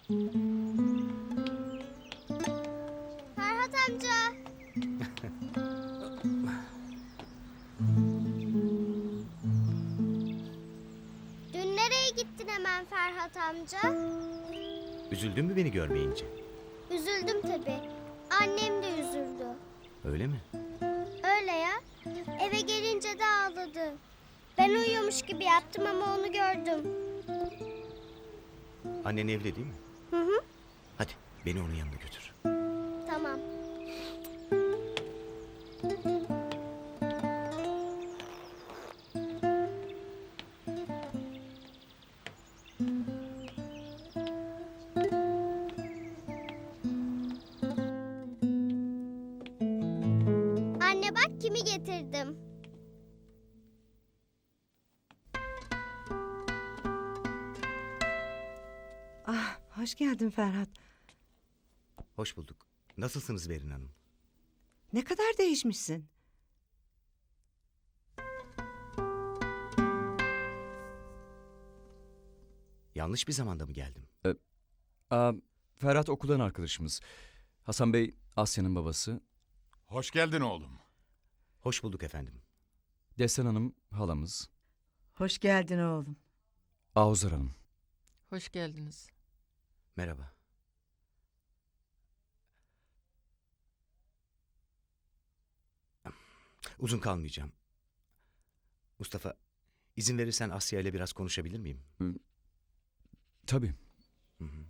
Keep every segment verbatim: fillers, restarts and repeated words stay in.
Ferhat amca. Dün nereye gittin hemen Ferhat amca? Üzüldün mü beni görmeyince? Üzüldüm tabii. Annem de üzüldü. Öyle mi? Öyle ya. Eve gelince de ağladı. Ben uyuyormuş gibi yaptım ama onu gördüm. Annen evli değil mi? Hı hı. Hadi beni onun yanına götür. Tamam. Anne bak kimi getirdim. Ah, hoş geldin Ferhat. Hoş bulduk. Nasılsınız Berin Hanım? Ne kadar değişmişsin. Yanlış bir zamanda mı geldim? Aa, Ferhat okuldan arkadaşımız. Hasan Bey Asya'nın babası. Hoş geldin oğlum. Hoş bulduk efendim. Destan Hanım halamız. Hoş geldin oğlum. Ahuzar Hanım. Hoş geldiniz. Merhaba. Uzun kalmayacağım. Mustafa, izin verirsen Asya ile biraz konuşabilir miyim? Tabii. Hı hı.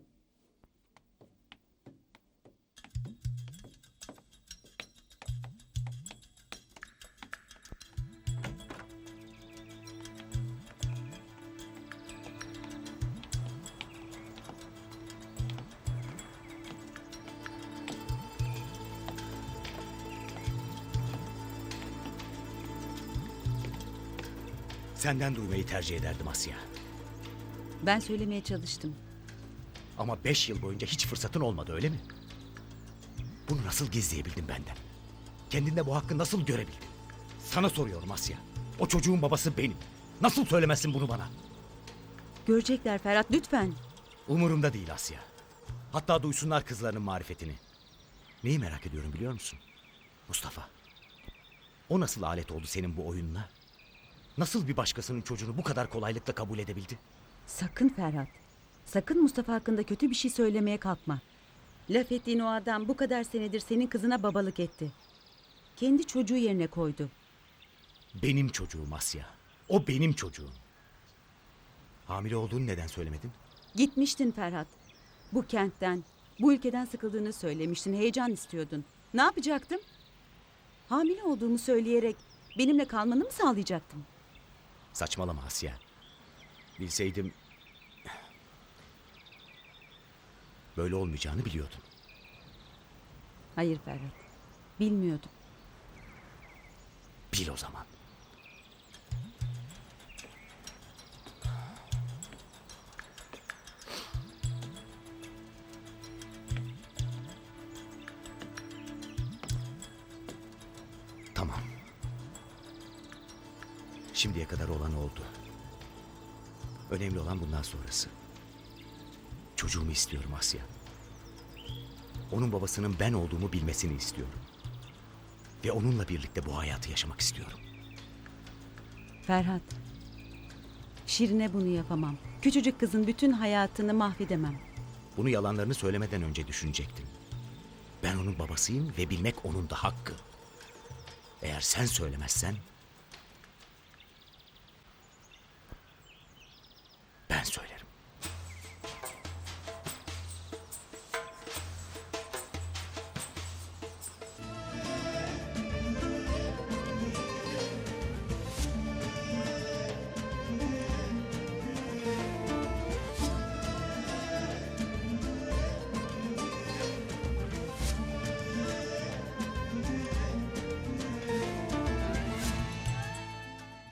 Senden duymayı tercih ederdim Asya. Ben söylemeye çalıştım. Ama beş yıl boyunca hiç fırsatın olmadı öyle mi? Bunu nasıl gizleyebildin benden? Kendinde bu hakkı nasıl görebildin? Sana soruyorum Asya. O çocuğun babası benim. Nasıl söylemezsin bunu bana? Görecekler Ferhat, lütfen. Umurumda değil Asya. Hatta duysunlar kızlarının marifetini. Neyi merak ediyorum biliyor musun? Mustafa. O nasıl alet oldu senin bu oyununa? Nasıl bir başkasının çocuğunu bu kadar kolaylıkla kabul edebildi? Sakın Ferhat. Sakın Mustafa hakkında kötü bir şey söylemeye kalkma. Laf ettiğin o adam bu kadar senedir senin kızına babalık etti. Kendi çocuğu yerine koydu. Benim çocuğum Asya. O benim çocuğum. Hamile olduğunu neden söylemedin? Gitmiştin Ferhat. Bu kentten, bu ülkeden sıkıldığını söylemiştin. Heyecan istiyordun. Ne yapacaktım? Hamile olduğumu söyleyerek benimle kalmanı mı sağlayacaktım? Saçmalama Asya. Bilseydim... böyle olmayacağını biliyordum. Hayır Ferhat. Bilmiyordum. Bil o zaman. Tamam. Şimdiye kadar olan oldu. Önemli olan bundan sonrası. Çocuğumu istiyorum Asya. Onun babasının ben olduğumu bilmesini istiyorum. Ve onunla birlikte bu hayatı yaşamak istiyorum. Ferhat. Şirine bunu yapamam. Küçücük kızın bütün hayatını mahvedemem. Bunu yalanlarını söylemeden önce düşünecektim. Ben onun babasıyım ve bilmek onun da hakkı. Eğer sen söylemezsen